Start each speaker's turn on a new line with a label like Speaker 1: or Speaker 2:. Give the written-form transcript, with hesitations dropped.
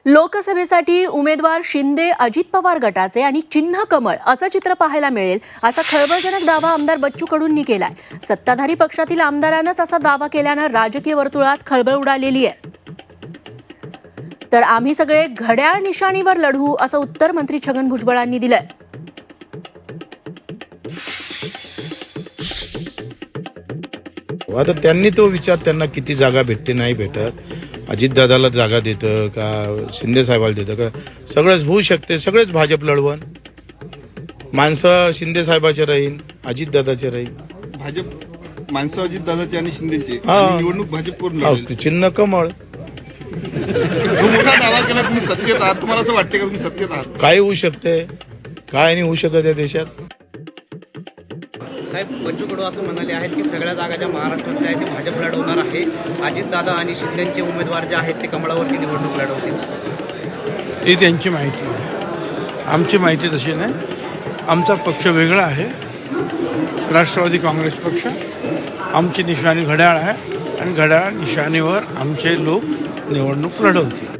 Speaker 1: लोकसभेसाठी उमेदवार शिंदे अजित पवार गटाचे आणि चिन्ह कमळ असं चित्र पाहायला मिळेल असा खळबळजनक दावा आमदार बच्चू कडूंनी केलाय। सत्ताधारी पक्षातील आमदारांनाच असा दावा केल्यानं राजकीय वर्तुळात खळबळ उडालेली आहे। तर आम्ही सगळे घड्याळ निशाणीवर लढू असं उत्तर मंत्री छगन भुजबळांनी दिलंय।
Speaker 2: आता त्यांनी तो विचार, त्यांना किती जागा भेटते नाही भेटत, अजितदादाला जागा देतं का शिंदे साहेबाला देतं का, सगळंच होऊ शकते। सगळेच भाजप लढवण, माणसं शिंदे साहेबाचे राहील, अजितदादाचे राहील।
Speaker 3: भाजप माणसं अजितदादाचे आणि शिंदेचे, निवडणूक भाजपवर लढेल।
Speaker 2: चिन्ह कमळ।
Speaker 3: मोठा दावा केला तुम्ही सत्तेत आहात, तुम्हाला असं वाटते का तुम्ही सत्तेत आहात?
Speaker 2: काय होऊ शकते, काय नाही होऊ शकत या देशात।
Speaker 4: साहेब, बच्चू कडू असं म्हणाले आहेत की सगळ्या जागा ज्या महाराष्ट्रातल्या आहेत ते भाजप लढवणार आहे। अजितदादा आणि शिंदेचे उमेदवार जे आहेत ते कमळावरती निवडणूक लढवतील।
Speaker 5: ती त्यांची माहिती आहे, आमची माहिती तशी नाही। आमचा पक्ष वेगळा आहे, राष्ट्रवादी काँग्रेस पक्ष। आमची निशाणी घड्याळ आहे आणि घड्याळ निशाणीवर आमचे लोक निवडणूक लढवतील।